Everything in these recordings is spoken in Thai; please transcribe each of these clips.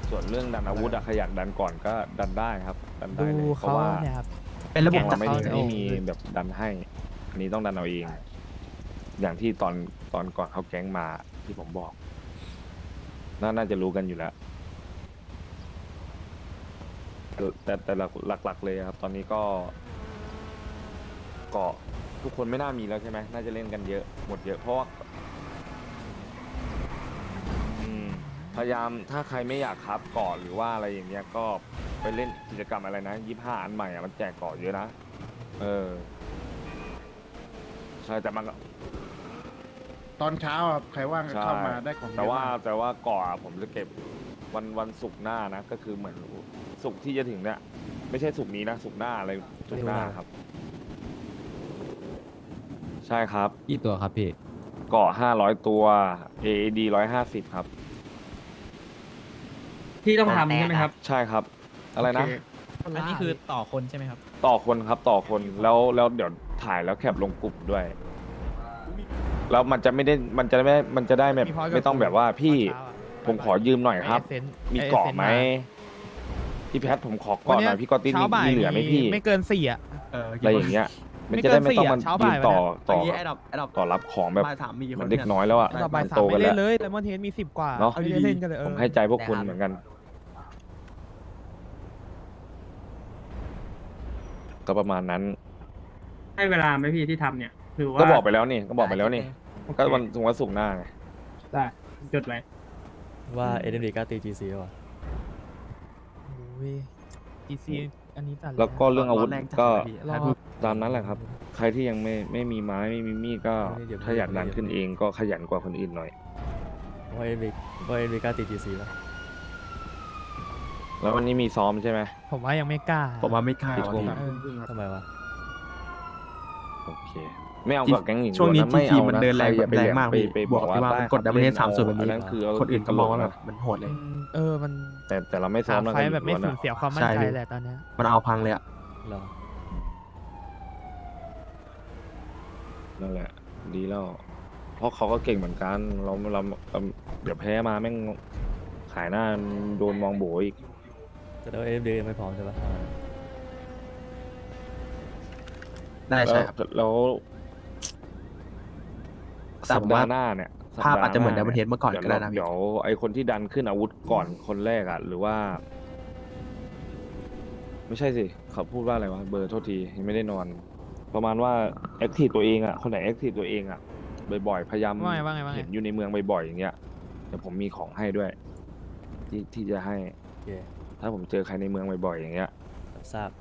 ส่วนเรื่องดันอาวุธอะขยันดันก่อนก็ดันได้ครับ ดันได้ดูเลยเพเขาราะว่าเนี่ยครับเป็นระบบแก๊งจัเราดไม่การมีแบบดันให้ อันนี้ต้องดันเอาเอง อย่างที่ตอนก่อนเขาแก๊งมาที่ผมบอก น่าจะรู้กันอยู่แล้ว แต่หลักๆเลยครับ ตอนนี้ก็ทุกคนไม่น่ามีแล้วใช่ไหมน่าจะเล่นกันเยอะหมดเยอะเพราะว่าพยายามถ้าใครไม่อยากครับเกาะหรือว่าอะไรอย่างเงี้ยก็ไปเล่นกิจกรรมอะไรนะ25อันใหม่อะมันแจกเกาะเยอะนะใช่แต่มันก็ตอนเช้าครับใครว่างก็ใช่เข้ามาได้ของเยอะแต่ว่ามากเกาะอะผมจะเก็บวันศุกร์หน้านะก็คือเหมือนศุกร์ที่จะถึงเนี่ยไม่ใช่ศุกร์นี้นะศุกร์หน้าอะไรศุกร์หน้าครับ ใช่ครับกี่ตัวครับพี่เกาะ500 ตัว AAD 150 ครับที่ต้องทำใช่ไหมครับใช่ครับ อะไรนะโอเคอันนี้คือต่อคนใช่ไหมครับต่อคนครับต่อคนแล้วเดี๋ยวถ่ายแล้วแคปลงกลุ่มด้วย แล้วมันจะได้แบบมีพอยต์กับไม่ต้องแบบว่าพี่ตอนเช้าอะผมขอยืมหน่อยครับไอ้ Essence มีไอ้เกาะ Essence ไหมมาพี่แพทผมขอเกาะหน่อยพี่กอตตินเช้าบ่ายมีเหลือไหมพี่ไม่เกิน4อ่ะอะไรอย่างเงี้ย มันไม่จะเกิได้นไม่ต้อง 4 มันเช้ายืบ่ายนไปต่อแล้วต่อรับของแบบบ่ายสามมีกี่เหคมือน นเด็กน้อยแล้วอ่ะต่อบ่ายมันสามโตกัไม่นเล่แล้วนเลยแต่มอนเทนมี10 กว่าเนอะไม่ได้เล่นกันเลยผมให้ใจพวกคุณเหมือนกัน ก็ประมาณนั้นให้เวลาไหมพี่ที่ทำเนี่ยหรือว่าก็บอกไปแล้วนี่ก็บอกไปแล้วนี่โอเคก็วันศุกร์หน้าไงได้จดไว้ว่า SMD กล้าตี GC แล้ววะโอ้ย GC อันนี้จัดเยแล้วก็เรื่องอาวุธร้นแรงจัดก็เลยพี่รอตามนั้นแหละครับ ใครที่ยังไม่มีไม้ไม่มีมีดก็ถ้าอยากดันขึ้นเองก็ขยันกว่าคนอื่นหน่อยว่า SMD กล้าตี GC แล้วแล้ววันนี้มีซ้อมใช่ไหมผมว่ายังไม่กล้าผมว่าไม่กล้ากี่ทุ่มว่ะเออทำไมวะโอเค ไม่เอากับแก๊งหญิงช่วงนี้ล้ะไม่ทีเอามันนะเดินแรงใคอย่าไปแรงมากไปพี่ไปบบ วอก กที่ว่าว่ามันได้กดดับเบิลเฮดครับ 30แบบอันี้นนั้นคือคนอื่นก็มองว่าตลแบบมันโหดเลยมันแต่เราไม่ซ้อหามแล้วไฟกันแบบไม่ล้วนสูญอะเสียความมั่นใช่ใจพี่แหละตอนเนี้ยมันเอาพังเลยอ่ะเหรอนั่นแหละ ดีแล้ว เพราะเขาก็เก่งเหมือนกัน เราเดี๋ยวแพ้มาแม่งขายหน้าโดนมองโบอีกแต่ว่า SMD ยังไม่พร้อมใช่ปะได้ใช่ครับแล้วแต่สัปผมดาว่าห์หน้าเนี่ยภาพอาจจะเหมือนสัป Diamond Head เมื่อก่อนก็ได้นะเดี๋ยวไอคนที่ดันขึ้นอาวุธก่อนคนแรกอ่ะ หรือว่า ไม่ใช่สิ เขาพูดว่าอะไรวะ เบอร์โทษทียังไม่ได้นอน ประมาณว่าแอคทีฟตัวเองอ่ะ คนไหนแอคทีฟตัวเองอ่ะ บ่อยๆ พยายามว่าไงเห็นอยู่ในเมืองบ่อยๆ อย่างเงี้ย เดี๋ยวผมมีของให้ด้วย ที่จะให้โอเคถ้าผมเจอใครในเมืองบ่อยๆ อย่างเงี้ยรับทราบ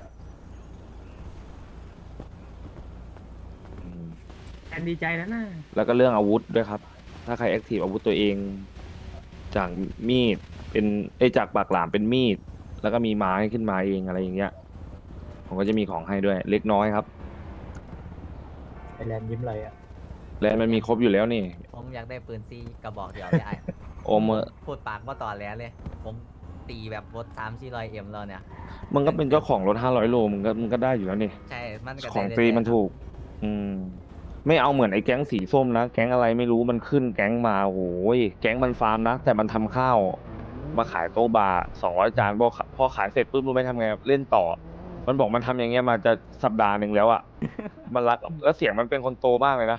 อืมแอนดีใจแล้วนะแล้วก็เรื่องอาวุธด้วยครับ ถ้าใครแอคทีฟอาวุธตัวเอง จากมีดเป็นจากปากหลามเป็นมีด แล้วก็มีไม้ขึ้นมาเองอะไรอย่างเงี้ย ผมก็จะมีของให้ด้วย เล็กน้อยครับไอแลนด์ยิ้มอะไรอ่ะและมันมีครบอยู่แล้วนี่ผมอยากได้ปืนซีกระบอกเดียวเลยไอ้โอมเมอร์พูดปากว่าต่อแล้วเลย ผมตีแบบรถ3-400M แล้วเนี่ยมึงก็เป็นเจ้าของรถ500 โลมึงก็ได้อยู่แล้วนี่ใช่ มันก็ของได้ฟรีเรื่ยๆมันถูก อืม ไม่เอาเหมือนไอ้แก๊งสีส้มนะ แก๊งอะไรไม่รู้มันขึ้นแก๊งมาโอ้โหยแก๊งมันฟาร์มนะ แต่มันทำข้าว มาขายโต๊ะบาร์200 จานพอขายเสร็จปุ๊บรู้ไหมทำไงเล่นต่อ มันบอกมันทำอย่างเงี้ยมาจะสัปดาห์หนึ่งแล้วอ่ะ มันรักแล้วเสียงมันเป็นคนโตมากเลยนะ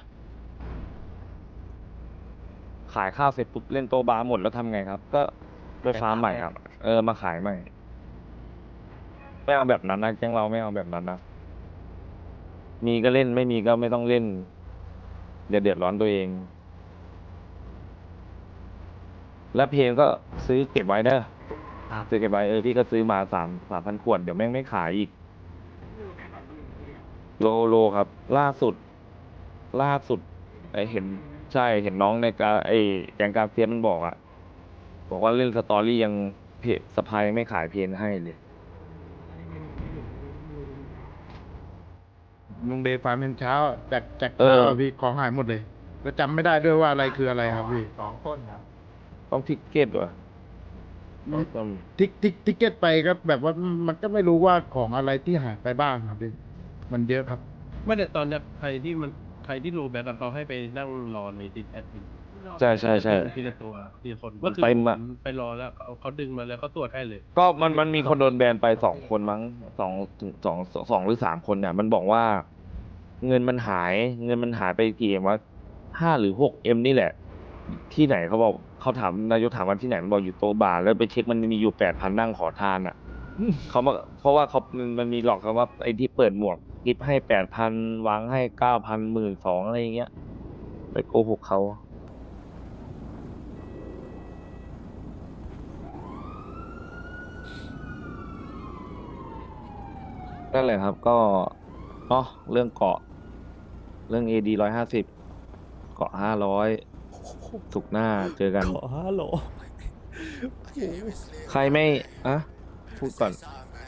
ขายข้าวเสร็จปุ๊บเล่นโต๊ะบาร์หมดแล้วทำไงครับ ก็ไปฟาร์มใหม่ครับ มาขายใหม่ ไม่เอาแบบนั้นนะแก๊งเราไม่เอาแบบนั้นนะ มีก็เล่นไม่มีก็ไม่ต้องเล่นเดือดร้อนตัวเอง แล้วเพลงก็ซื้อเก็บไว้เด้อครับซื้อเก็บไว้พี่ก็ซื้อมา3,000 ขวดเดี๋ยวแม่งไม่ขายอีก โลครับ ล่าสุดไอเห็นใช่เห็นน้องในการแกงการเฟียสมันบอกบอกว่าเล่นสตอรี่ยังเพจสภายยังไม่ขายเพลงให้เลยลุงเดย์ฟาร์มเป็นเช้าแจกเออข้าวพี่ของหายหมดเลยก็จำไม่ได้ด้วยว่าอะไรคืออะไรครับพี่ต้องทิกเก็ตวะต้องทิกเก็ตไปก็แบบว่ามันก็ไม่รู้ว่าของอะไรที่หายไปบ้างครับพี่มันเยอะครับไม่แต่ตอนเนี้ยใครที่โรแบทอะเขาให้ไปนั่งรอในดิสแอดมินใช่ใช่ใช่ทีละตัวทีละคนมันก็คือไปผมมาไปรอแล้วเขาดึงมาแล้วเขาตรวจให้เลยก็มันมีคนโดนแบนไป2 คนมั้งสองหรือ3 คนเนี่ย มันบอกว่า เงินมันหายไปกี่เอ็มวะ5 หรือ 6 เอ็มนี่แหละ ที่ไหนเขาบอกเขาถามนายกถามว่าที่ไหนมันบอกอยู่โตะบาร์แล้วไปเช็คมันมีอยู่8,000นั่งขอทานอ่ะเขามาเพราะว่ามันมีหลอกเขาว่าไอ้ที่เปิดหมวกกิฟให้8,000วางให้9,00012,000อะไรอย่างเงี้ยไปโกหกเขานั่นแหละครับก็เนาะเรื่องเกาะ เรื่อง AD 150 เกาะ500สุกร์หน้าเจอกันขอฮัลโหลใครไม่อะพูดก่อน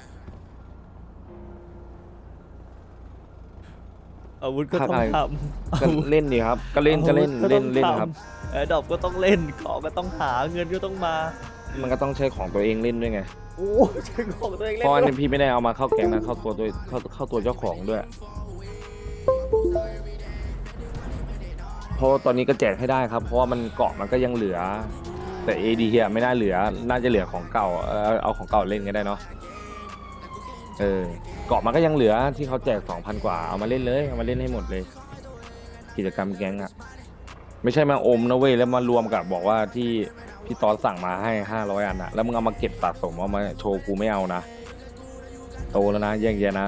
อาวุธก็ต้องใครทก็ำเล่นดีครับ ก็เล่นก็เล่นเล่นครับแอร์ดรอปก็ต้องเล่นของก็ต้องหาเงินก็ต้องมามันก็ต้องใช้ของตัวเองเล่นด้วยไงโอ้ใช้ของตัวเองเพเล่นราะอันด้วนี้ยพี่ไม่ได้เอามาเข้าแก๊งนะเข้าตัวเจ้าของด้วย เพราะว่าตอนนี้ก็แจกให้ได้ครับ เพราะว่ามันเกาะมันก็ยังเหลือ แต่ AD อ่ะไม่น่าเหลือ น่าจะเหลือของเก่าเอาของเก่าเล่นก็ได้เนาะเกาะมันก็ยังเหลือที่เขาแจก 2,000 กว่าเอามาเล่นเลยเอามาเล่นให้หมดเลย กิจกรรมแก๊งอ่ะ ไม่ใช่มาอมนะเว้ยแล้วมารวมกับบอกว่าที่พี่ตอนสั่งมาให้500 อันอะแล้วมึงเอามาเก็บสะสมเอามาโชว์กูไม่เอานะโตแล้วนะแยกแยะนะ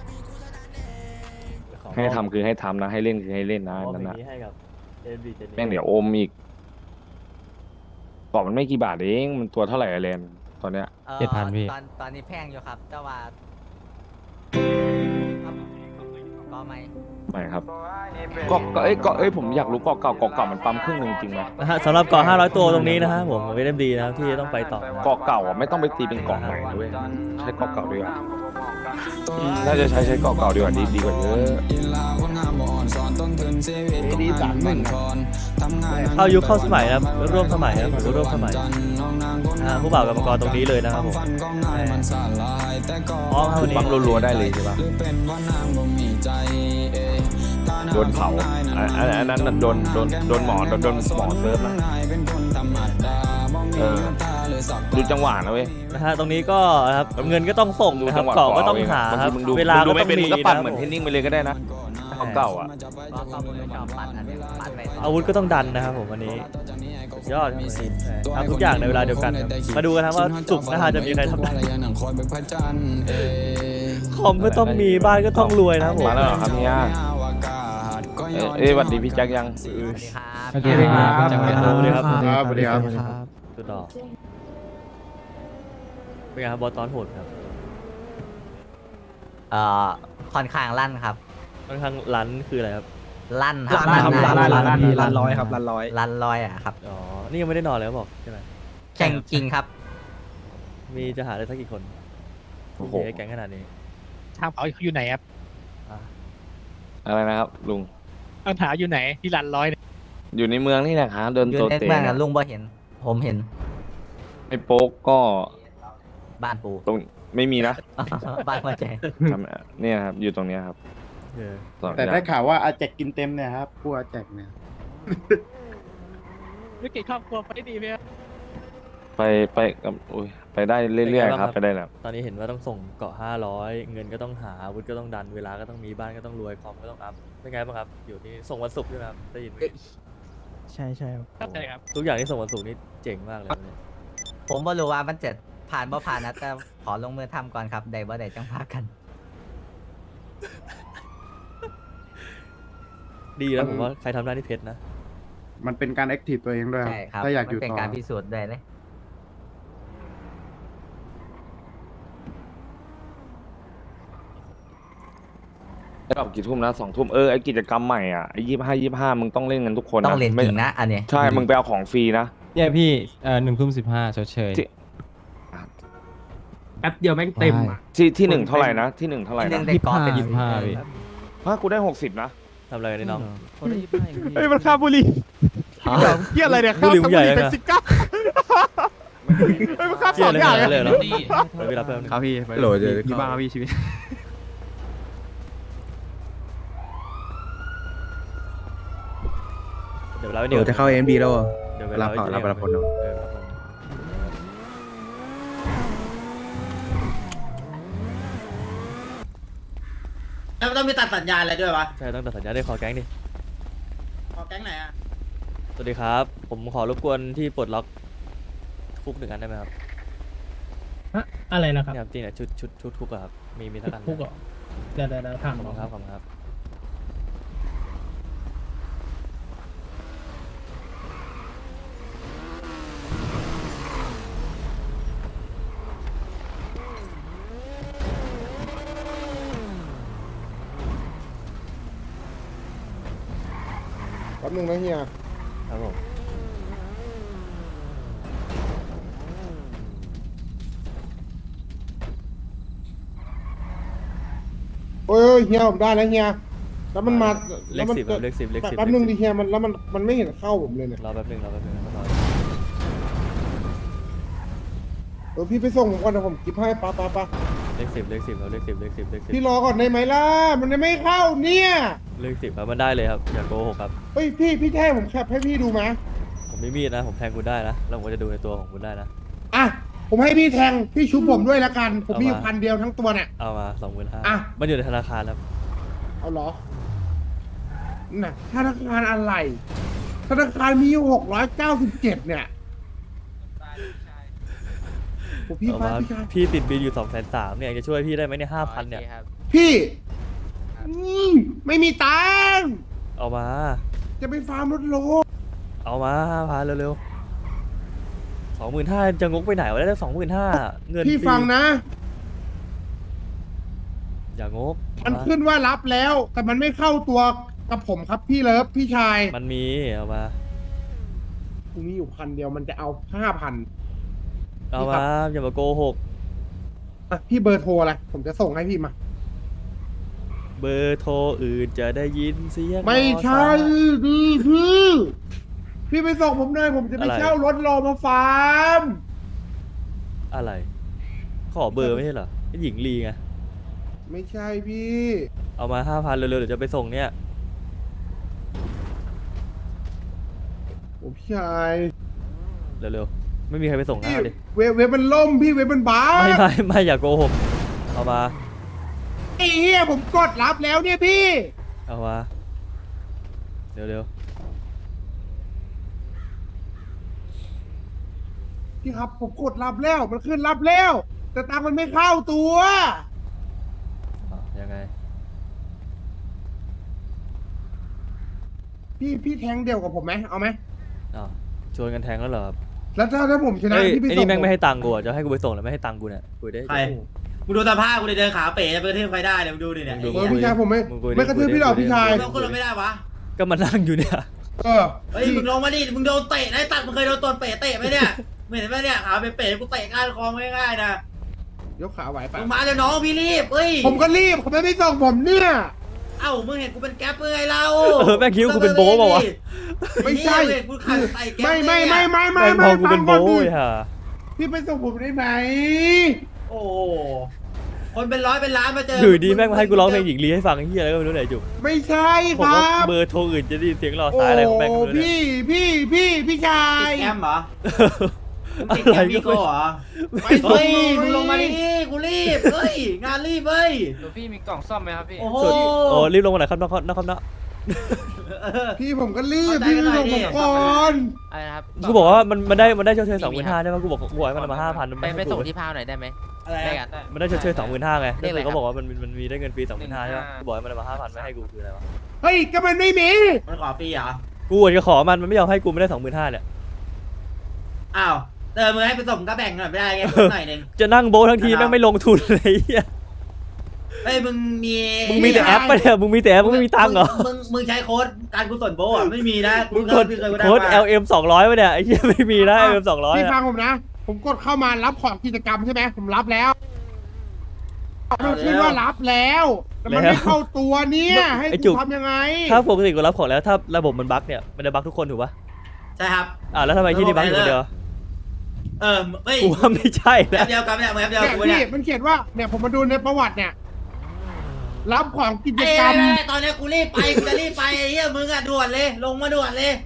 ให้ทำคือให้ทำนะ ให้เล่นคือให้เล่นนะมอบนั่นอย่านะงนี้ให้กับ AMD เจนนี่แม่งเดี๋ยวอมอีกกรอบมันไม่กี่บาทเองมันตัวเท่าไหร่อะเลนตอนเนี้ย 7,000พี่ตอนนี้แพงอยู่ครับแต่ว่าครับก็ไม่ไม่ครับผมอยากรู้เกาะเก่ามันปั๊มครึ่งหนึ่งจริงไหมนะฮะสำหรับเกาะ500 ตัวตรงนี้นะฮะผม AMD นะครับที่ต้องไปต่อเกาะเก่าอ่ะไม่ต้องไปตีเป็นเกาะใหม่ด้วยใช้เกาะเก่าดีกว่าน่าจะใช้เกาะเก่าดีกว่าดีกว่าเยอะ AD 31ครับเข้ายุคเข้าสมัยนะครับร่วมสมัยนะครับผมร่วมสมัยผู้บ่าวกับมังกรตรงนี้เลยนะครับผมอ๋อครับวันนี้ปั๊มรัวๆได้เลยใช่ปะโดนเผาอันนั้นโดนหมอเซิร์ฟนะดูจังหวะนะเว้ยนะฮะตรงนี้ก็นะครับเงินก็ต้องส่งดูนะคจัรับงหวะเกาะก็ต้องหาบางครัทีบมึงดูเวลาก็ดูต้ไม่องเป็นมีมึงก็ปั่นนะเหมือนเทนนิ่งไปเลยก็ได้นะเก่าอ่ะก็มือชอบปัดอันนี้ปัดไปอาวุธก็ต้องดันนะครับผมวันนี้สุดยอดครับทำทุกอย่างในเวลาเดียวกันครับมาดูกันครับว่าจุกนะฮะจะมีใครทำได้คอมก็ต้องมีบ้านก็ต้องรวยนะครับผมมาแล้วเหรอครับเนี่ยสวัสดีพี่แจ็คยังสวัสดีครับสวัสดีครับสวัสดีครับครับสวัสดีครับสุดดอกเป็นไงครับบอสตอนโหดครับค่อนข้างลั่นครับค่อนข้างลันคืออะไรครับลั่นครับลั่นร้อยครับลั่นร้อยลั่นลอยอ่ะครับอ๋อนี่ยังไม่ได้นอนเลยเขาบอกใช่ไหมแข่งจริงครับมีจะหาได้สักกี่คนโอ้โหที่ให้แก๊งขนาดนี้ทางเขาอยู่ไหนครับอ่ะอะไรนะครับลุงปัญหาอยู่ไหนที่รันร้อยเนี่ยอยู่ในเมืองนี่แหละครับเดินอยู่ตัวในเตะเมืองอะลุงบ่เห็น ผมเห็นไอ้โป๊กก็บ้านปูตรงไม่มีนะบ้านหัวใจเนี่ยครับอยู่ตรงเนี้ยครับเออสองแต่อย่าได้งข่าวว่าอาแจกกินเต็มเนี่ยครับผู้อาแจกเนี่ยธุรกิจครอบครัวไปดีไหมครับไปกับอุ้ยไปได้เรื่อยๆครับไปได้แล้วตอนนี้เห็นว่าต้องส่งเกาะ500เงินก็ต้องหาอาวุธก็ต้องดันเวลาก็ต้องมีบ้านก็ต้องรวยคอมก็ต้องอัพเป็นไงบ้างครับอยู่ที่ส่งวันศุกร์ใช่ไหมครับได้ยินไหมใช่ใช่ครับเข้าใจครับทุกอย่างที่ส่งวันศุกร์นี่เจ๋งมากเลยเนี่ยผมบ่รู้ว่ามันจะผ่านบ่ผ่านนะแต่ขอลงมือทำก่อนครับได้บ่ได้จังพากันดีแล้วผมว่าใครทำได้นี่เพชรนะมันเป็นการแอคทีฟตัวเองด้วยใช่ครับถ้าอยากอมันยู่เป็นต่อการพิสูจน์ด้วยเลยไอ้ดอกกี่ทุ่มนะ2 ทุ่มไอ้กิจกรรมใหม่อ่ะไอ้25มึงต้องเล่นกันทุกคนต้องเล่นไม่จริงนะอันนี้ใช่มึงไปเอาของฟรีนะเนี่ยพี่1:15ชดเชยที่แป๊บเดียวแม่งเต็มอ่ะที่หนึ่งเท่าไหร่นะที่หนึ่งเท่าไหร่ที่หนึ่นะงได้กอเป็น 25พี่กูได้60นะทำอะไรกันนี่น้องเฮ้ยมันคาบุรีเกี่ยอะไรเนี่ยบุหรี่มันใหญ่เลยนะเฮ้ยมันคาบเชี่สยองเลยอย่างเลเลย ยเหรอไปเวลาเพิ่มครับพี่โหลดเดี๋ยวมีบ้างครับพี่ชีวิตเดี๋ยวเวลาไปเดี๋ยวจะเข้าเอ็มดีแล้วอ่ะเดี๋ยวเวลาไปรับผลเนอะเออรับผลแล้วมันต้องมีตัดสัญญาณอะไรด้วยวะใช่ต้องตัดสัญญาได้ขอแก๊งดิขอแก๊งไหนอ่ะสวัสดีครับ ผมขอรบกวนที่ปลดล็อกคุก1 อันได้ไหมครับอะไรนะครับเนี่ยครับจริงเนี่ยชุดคุกอะครับมีสักอันไหมคุกเหรอเดี๋ยวถามขอบคุณครับขอบคุณครับแป๊บนึงนะเฮียครับผมโอ้ยเฮียผมได้แล้วเฮียแล้วมันมาเลแล้วขมัน 10ครับเลข10เลข10 แป๊บนึงดิเฮียมันแล้วมันไม่เห็นเข้าผมเลยเนี่ยรอแป๊บนึงนะรอพี่ไปส่งผมก่อนนะผมกิฟให้ป้าเลข 10ครับเลข 10 พี่รอก่อนได้ไหมล่ะมันยังไม่เข้าเนี่ยเลข 10ครับมันได้เลยครับอย่าโกหกครับเฮ้ยพี่แท้ผมแคปให้พี่ดูไหมผมมีมีดนะผมแทงคุณได้นะแล้วผมก็จะดูในตัวของคุณได้นะอ่ะผมให้พี่แทงพี่ชุบผมด้วยละกันผมมีอยู่เอามา 1,000 เดียวทั้งตัวเนี่ยเอามา 25,000 อ่ะมันอยู่ในธนาคารครับเอาเหรอน่ะธนาคารอะไรธนาคารมีอยู่697เนี่ยโอ้พี่เอาพามาพี่ชายพี่ติดบินอยู่230,000เนี่ยจะช่วยพี่ได้ไหมเนี่ย5,000เนี่ยพี่ไม่มีตังค์เอามาจะไปฟาร์มรถโลเอามา5,000เร็วๆ 25,000จะงกไปไหนวะได้25,000เงินพี่ฟรีฟังนะอย่างกมันขึ้นว่ารับแล้ว แต่มันไม่เข้าตัวกับผมครับพี่เลิฟพี่ชายมันมีเอามากูมีอยู่1,000 เดียวมันจะเอา5,000 เอามาอย่ามาโกหกอ่ะพี่เบอร์โทรอะไรผมจะส่งให้พี่มาเบอร์โทรอื่นจะได้ยินเสียงไม่ใช่มอไซค์พี่ไปส่งผมหน่อยผมจะไปอะไรเช่ารถรอมาฟาร์มอะไร ขอเบอร์ไม่ใช่เหรอหญิงลีไงไม่ใช่พี่เอามา 5,000เร็วๆเดี๋ยวจะไปส่งเนี่ยโอ้พี่ชายเร็วๆไม่มีใครไปส่งนะพี่เอาดิเว็บมันล่มพี่เว็บมันบ้าไม่อย่าโกหกเอามาไอ้เหี้ยผมกดรับแล้วเนี่ยพี่เอามาเร็วพี่ครับผมกดรับแล้วมันขึ้นรับแล้ว แต่ตังค์มันไม่เข้าตัวๆยังไงพี่แทงเดียวกับผมไหมเอาไหมอ้าวชวนกันแทงแล้วเหรอครับแล้วถ้าผมชนะเอ้ยพี่ไปไอ้ส่นี่งแม่งผไม่ให้ตังค์กูอ่ะจะให้กูไปส่งแล้วไม่ให้ตังค์กูเนี่ยคุยได้ใคร มึงดูสภาพกูเลยเดินขาเป๋จะไปกระทืบใครได้เนี่ยมึงดูดิเนี่ยมึงดูเออพี่ชายผมไม่กระทืบพี่หรอกพี่ชายมึงต้องขึ้นรถไม่ได้วะก็มานั่งอยู่เนี่ยเออเฮ้ยมึงลงมาดิมึงโดนเตะนะตัดมึงเคยโดนตนเป๋เตะไหมเนี่ยไม่เห็นไหมเนี่ยขาเป๋กูเตะก้านคอง่ายๆนะยกขาไหวปะมึงมาเดี๋ยวน้องพี่รีบเฮ้ยผมก็รีบเขาไม่ส่งผมเนี่ยเอ้ามึงเห็นกูเป็นแก๊ปไงเราแม่งคิดว่ากูเป็นโบ๊ะเปล่าวะไม่ใช่เห็นกูขัดใส่แก๊ปไม่แม่งแม่งพอกูเป็นฟัโบ้งก่อนดิยฮะพี่ไปส่งผมได้ไหมโอ้โหคนเป็นร้อยเป็นล้านมาเจออยู่ดีแม่งมาให้กูร้องเพลงหญิงลีให้ฟังไอ้เหี้ยอะไรก็ไม่รู้ไหนจุกไม่ใช่คผมรัว่าบเบอร์โทรอื่นจะได้ยินเสียงรอโอ้สายอะไรของแม่งก็ไม่รู้เนี่ยพี่ชายติดแกมเหรอมึงติดอะไรแกมมีก็โก้ไม่เหรอ เฮ้ยมึงลงมาดิกูรีบ เฮ้ย งานรีบเฮ้ยพี่มีกล่องซ่อมไหมครับพี่โอ้โหโอ้รีบลงมาหน่อยครับนะครับเนาะพี่ผมก็รีบเข้าใจพี่กันหน่ส่อยงดิผมก่อนอะไรนะครับกูบอกว่ามันได้ชดเชย25,000ใช่ไหมกูบอกกูให้มันมา5,000 ไปส่งที่พาวหน่อยได้ไหมอะไรได้อะกันมันได้ชดเชย25,000ไงเรียกอะไรแล้วเขาบอกว่ามันมีได้เงินฟรี25,000ใช่ไหม 15,000 กูบอกให้มันมา5,000ไม่ให้กูคืออะไรวะเฮ้ยก็มันไม่มีมันขอฟรีเหรอกูอาจจะขอมันไม่ยอมให้กูไม่ได้25,000เนี่ยอ้าวมึงให้ไปส่งก็แบ่งหน่อยไม่ได้ไงหน่อยหนึงจะนั่งโบะทั้งทีแม่งไม่ลงทุนเลยไอ้เหี้ยเฮ้ยมึงมีมึงมีแต่แอปปะเนี่ยมึงมีแต่แอปมึงไม่มีตังค์เหรอมึงใช้โค้ดการกุศลโบอ่ะไม่มีนะมึงกดเคยได้โค้ดมา LM 200ป่ะเนี่ยไอ้เหี้ยไม่มีนะ LM 200 พี่อะฟังผมนะ ผมกดเข้ามารับของกิจกรรมใช่ไหมผมรับแล้วมันขึ้นว่ารับแล้วแต่มันไม่เข้าตัวเนี่ย ให้กูทำยังไงถ้าปกติกูรับของแล้วถ้าระบบมันบั๊กเนี่ยมันจะบั๊กทุกคนถูกปะใช่ครับแล้วทำไมที่นี่บั๊กอยู่คนเดียวเฮ้ยกูว่าไม่ใช่แอแล้วปเดียวกันเนี่ยมึงแอปเดียวเนี่ยกูพี่เนี่ยมันเขียนว่าเนี่ยผมมาดูในประวัติเนี่ย รับของกิจไอ้กรรมตอนนี้กูรีบไปกูจะรีบไปไอ้เหี้ยมึงอะด่วนเลยลงมาด่วนเลย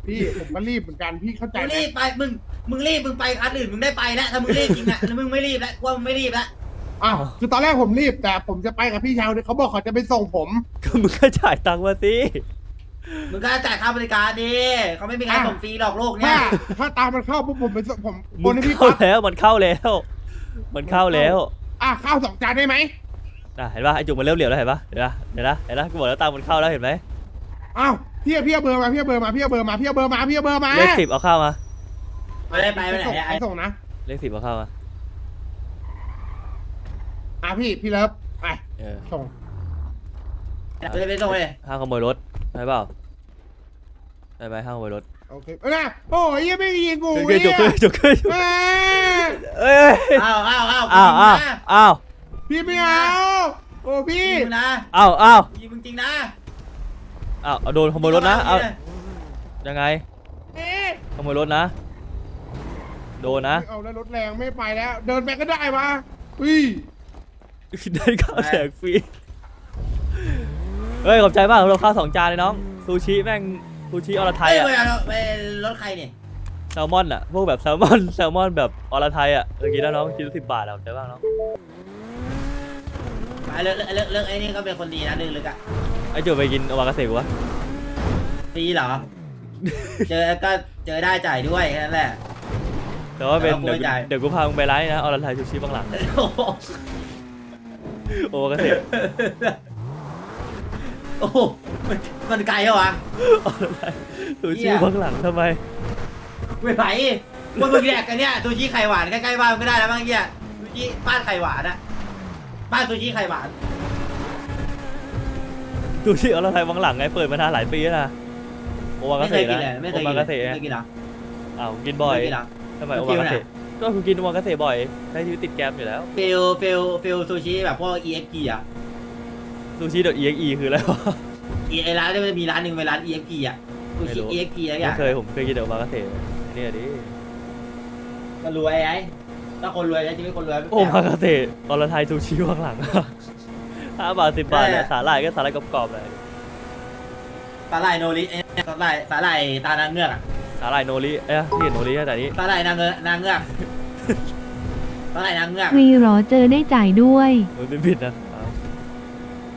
พี่ผมก็รีบเหมือนกันพี่เข้าใจมึงไหมรีบไปมึงรีบมึงไปคันอื่นมึงได้ไปแล้วถ้ามึงรีบจริงอะแล้วมึงไม่รีบแล้วว่ามึงไม่รีบแล้วอ้าวคือตอนแรกผมรีบแต่ผมจะไปกับพี่ชายเขาบอกเขาจะไปส่งผมก็มึงก็จ่ายตังค์มาสิมึงก็จ่ายค่าบริการดิเขาไม่มีการส่งฟรีหรอกโลกเนี่ถ้าย ตามมันเข้าปุ๊บผมไปส่งผมโอมึนงให้พี่เข้าปั๊บแล้วมันเข้าแล้ว มันเข้าแล้วข้าว2 จานได้ไหมเห็นป่ะไอจุกมันเริ่มเหลียวแล้วเห็นป่ะเห็นป่ะเห็นนะเห็นนะกูบอกแล้วตังค์มันเข้าแล้วเห็นไหมอ้าวพี่เอาเบอร์มาพี่เอาเบอร์มาเลข10เอาเข้ามาไม่ได้ไปไหนส่งไอ้ส่งนะเลข10เอาเข้ามาพี่เลิฟไปเออส่งไม่ได้ไปส่งเลยห้ามขโมยรถใช่เปล่าได้ไหมห้ามขโมยรถโอเคนะโอ้ยยังไม่ยิงกูขึ้นจุกขึ้นจุกขึ้นเอ้ยเอ้ยอ้าวอ้าวพี่ไม่เอาโอ้พี่มึงนะอ้าวยิงมึงจริงนะเอาโดนขโมยรถนะเอายังไงเอ๊ะขโมยรถนะโดนนะเอาแล้วรถแรงไม่ไปแล้ว เดินไปก็ได้วะอุ้ยได้ข้าวแจกฟรีเฮ้ยขอบใจมากเราข้าว2 จานเลยน้องซูชิแม่งซูชิอรไทยเฮ้ยอะไปรถใครเนี่ยแซลมอนอะพวกแบบแซลมอนแบบอรไทยอะเมื่อกี้นะน้องคิดละ10 บาทอะขอบใจมากน้องเลิกไอ้นี่ก็เป็นคนดีนะลึกๆอ่ะไอ้จุกไปกินโอมากาเสะกูวะฟรีเหรอ เจอก็เจอได้จ่ายด้วยแค่นั้นแหละแต่ว่าเป็นแล้วกูไม่จ่ายเดี๋ยวกูพามึงไปร้านนี้นะอรไทยซูชิบางหลังโอ้โหโอมากาเสะโอ้โหมันไกลเหรอวะอรไทยซูชิบางหลังทำไมไม่ไหวว่ามึงแยกกันเนี่ยซูชิไข่หวานใกล้ๆบ้านมึงก็ได้แล้วบ้างเงี้ยซูชิบ้านไข่หวานอะบ้านซูชิไข่หวานซูชิอรไทยบางหลังไงเปิดมานานหลายปีแล้วนะโอมากาไม่เคเสะยกินนะเลยไม่เคโอยกิมาน กาเสะไม่เคยกินเหรออ้าวกินบ่อยไม่กินเหรอทำไมมันโอฟิมาลกาไหนเสะก็กูกินโอมากาเสะบ่อยใช้ชีวิตติดแกรมอยู่แล้วฟิลซูชิแบบพวก EXP อ่ะซูชิ .exe คืออะไรวะไอ้ร้านที่มันมีร้านหนึ่งเป็นร้าน EXP อ่ะซูไม่ชิรู้ EXP อะไรอไม่ย่างเคยผมเคยกินแต่โอมากาเสะเนี่ยดิก็รวยไอ้ถ้าคนรวยแล้วชีวิตคนรวยโอมากาเสะอรไทยซูชิบางหลัง 5 บาท 10 บาทเนี่ยสาหร่ายก็สาหร่ายกรอบๆเลยสาหร่ายโนริสาหร่ายตานางเงือกอ่ะสาหร่ายโนริที่เห็นโนริแต่นี้สาหร่ายนางเงือกสาหร่ายนางเงือกวีหรอเจอได้จ่ายด้วยมันไม่ผิดนะ